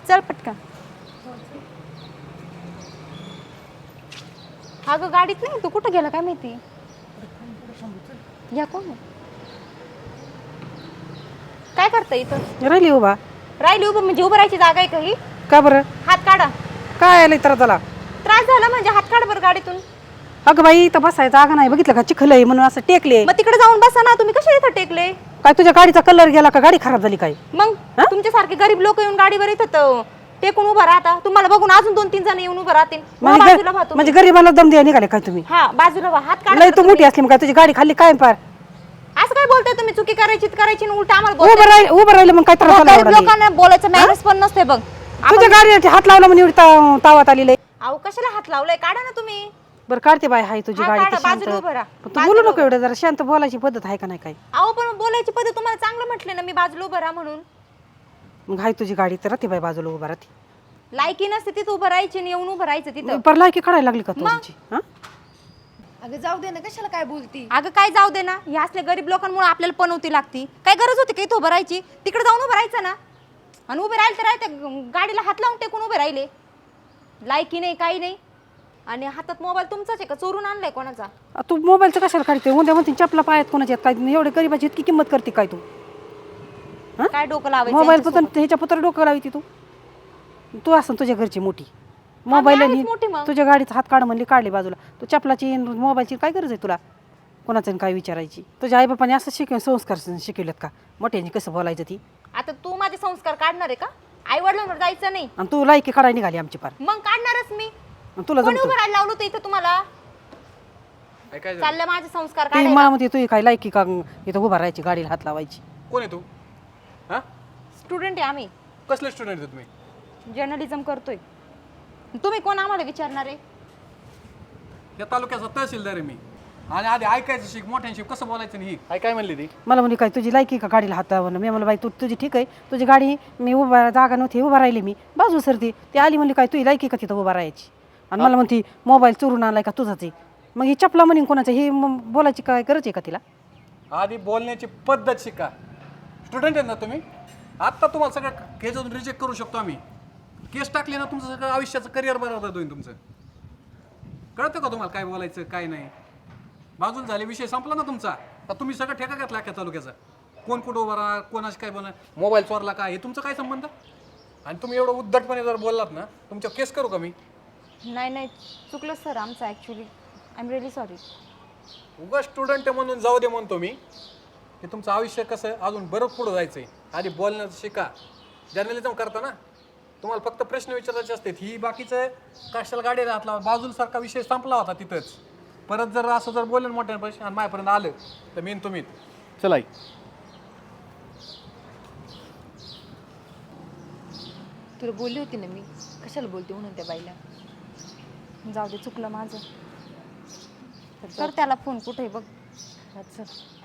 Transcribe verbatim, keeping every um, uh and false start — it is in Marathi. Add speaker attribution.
Speaker 1: चल पटकन. अगं गाडीत नाही, तू कुठं गेला काय माहिती. या कोण काय करता इथं.
Speaker 2: राहिली उभा.
Speaker 1: राहिली उभं म्हणजे उभं राहायची जागा आहे काही.
Speaker 2: का बरं.
Speaker 1: हात काढा.
Speaker 2: काय आलं तर त्याला
Speaker 1: त्रास झाला म्हणजे हात काढ बरं गाडीतून.
Speaker 2: अगं बाई इथं बसायचं जागा नाही, बघितलं का चिखल आहे म्हणून असं टेकले.
Speaker 1: मग तिकडे जाऊन बसा ना, तुम्ही कशा इथं टेकले.
Speaker 2: काय तुझ्या गाडीचा कलर गेला का, गाडी खराब झाली काय.
Speaker 1: मग तुमच्यासारखे गरीब लोक येऊन गाडीवर येतात टेकून उभा राहता. तुम्हाला बघून अजून दोन तीन जण येऊन उभं राहतील. बाजूला व्हा तुम्ही.
Speaker 2: म्हणजे गरीबाला दम द्या निघाले काय तुम्ही.
Speaker 1: हा बाजूला व्हा. हात काढा.
Speaker 2: लय तू मोठी असली मग काय तुझी गाडी खाल्ली काय पार.
Speaker 1: असं काय बोलताय तुम्ही. चुकी करायची करायची उलट आम्हाला
Speaker 2: उभं राहिलं उभं राहिलं मग काय त्रास झाला.
Speaker 1: लोकांना बोलायचं मॅनर्स पण नसते बघ.
Speaker 2: तुझ्या गाडीला हात लावला म्हणजे एवढी तावात आलेली.
Speaker 1: अहो कशाला हात लावलाय, काढा ना तुम्ही.
Speaker 2: बरं काढते बाय हाय तुझी गाडी.
Speaker 1: बाजूला उभं राहा.
Speaker 2: तू बोलू नको एवढं, जरा शांत बोलायची पद्धत आहे का नाही काय.
Speaker 1: अहो पण बोलायची पद्धत तुम्हाला चांगलं म्हटले ना मी, बाजूला उभं राहा म्हणून.
Speaker 2: मग हाय तुझी गाडी तर राहते बाय बाजूला उभा राहते.
Speaker 1: लायकी नसते तिथं उभं राहायची आणि येऊन उभं राहायचं तिथं.
Speaker 2: पर लायकी काढायला लागली का तुझी.
Speaker 3: अगं जाऊ दे ना, कशाला काय बोलती.
Speaker 1: अगं काय जाऊ दे ना, ह्या असल्या गरीब लोकांमुळे आपल्याला पनवती लागती. काय गरज होती का इथं उभं राहायची. तिकडे जाऊन उभं राहायचं ना. आणि उभे राहिले तर राहते गाडीला हात लावून टेकून उभे राहिले. लायकी नाही काही नाही. आणि हातात मोबाईल तुमचाच आहे का, चोरून आणलाय कोणाचा.
Speaker 2: तू मोबाईलचं कशाला काढते. उद्या म्हणते चपला पायात कोणाच्या काय. एवढे गरीबाची इतकी किंमत करते काय तू.
Speaker 1: काय डोकं लावायचं
Speaker 2: मोबाईल पुतर ह्याच्या पुत्र डोकं लावती तू. तू असं तुझ्या घरची मोठी मोबाईल तुझ्या गाडीचा हात काढ म्हणली काढली बाजूला. तू चपलाची मोबाईलची काय गरज आहे तुला कोणाचं काय विचारायची. तुझ्या आई बापाने असं शिकव संस्कार शिकवलेत का मोठ्यांनी कसं बोलायचं ती.
Speaker 1: आता तू माझे संस्कार काढणार आहे का. आई वडिलांवर जायचं नाही.
Speaker 2: आणि तू लायकी काढायला निघाली आमची पार.
Speaker 1: मग काढणारच मी.
Speaker 2: तुला
Speaker 1: कोणी उभं राहायला लावलं होतं इथं तुम्हाला. चाललं माझे संस्कार काढायला.
Speaker 2: मला म्हणते तू काय लायकी का इथं उभा राहायची गाडीला हात लावायची.
Speaker 4: कोण आहे तू. हा
Speaker 1: स्टुडंट आहे आम्ही.
Speaker 4: कसले स्टुडंट आहे तुम्ही.
Speaker 1: जर्नलिझम करतोय. तुम्ही कोण आम्हाला विचारणार आहे.
Speaker 4: या तालुक्याचा तहसीलदार आहे मी. आणि आधी ऐकायचं शिक मोठ्यांशी कसं बोलायचं नाही. आई काय म्हणली ती.
Speaker 2: मला म्हणली काय तुझी लायकी का गाडीला हात लावणं. मी म्हणलं बाई तू तुझी ठीक आहे तुझी गाडी मी उभा जागा नव्हती उभा राहिली मी बाजू सरती. ती आली म्हणली काय तुझी लायकी का तिथं उभा राहायची. आणि मला म्हणती मोबाईल चोरून आणलाय का तुझाच आहे. मग ही चपला म्हणून कोणाचं हे बोलायची काय गरज आहे का तिला.
Speaker 4: आधी बोलण्याची पद्धत शिका. स्टुडंट आहेत ना तुम्ही. आत्ता तुम्हाला सगळं केसमधून रिजेक्ट करू शकतो आम्ही. केस टाकली ना तुमचं सगळं आयुष्याचं करिअर बरोबर होईल तुमचं. कळतं का तुम्हाला काय बोलायचं काय नाही. बाजूला झाले विषय संपला ना तुमचा. तर तुम्ही सगळं ठेका घेतला अख्ख्या तालुक्याचा. कोण कुठं उभा राहा कोणाशी काय बोलणार मोबाईल चोरला का हे तुमचं काय संबंध. आणि तुम्ही एवढं उद्धटपणे जर बोललात ना तुमच्या केस करू का मी.
Speaker 1: नाही नाही चुकलं सर आमचं actually. I am really sorry.
Speaker 4: उगा स्टुडंट म्हणून जाऊ दे म्हणतो मी की तुमचं आयुष्य कसं अजून बरंच पुढं जायचं आहे. आधी बोलण्याचं शिका. जर्नलिझम करता ना तुम्हाला फक्त प्रश्न विचारायचे असतात. ही बाकीचं कशाला गाडी राहतला बाजूसारखा विषय संपला होता तिथंच. परत जर असं जर बोललं मोठ्या पैसे आणि माझ्यापर्यंत आलं तर मेन तुम्ही चला.
Speaker 3: तुला बोलली होती ना मी कशाला बोलते म्हणून त्या बाईला.
Speaker 1: जाऊ दे चुकलं माझं. तर त्याला फोन कुठे बघ.
Speaker 3: अच्छा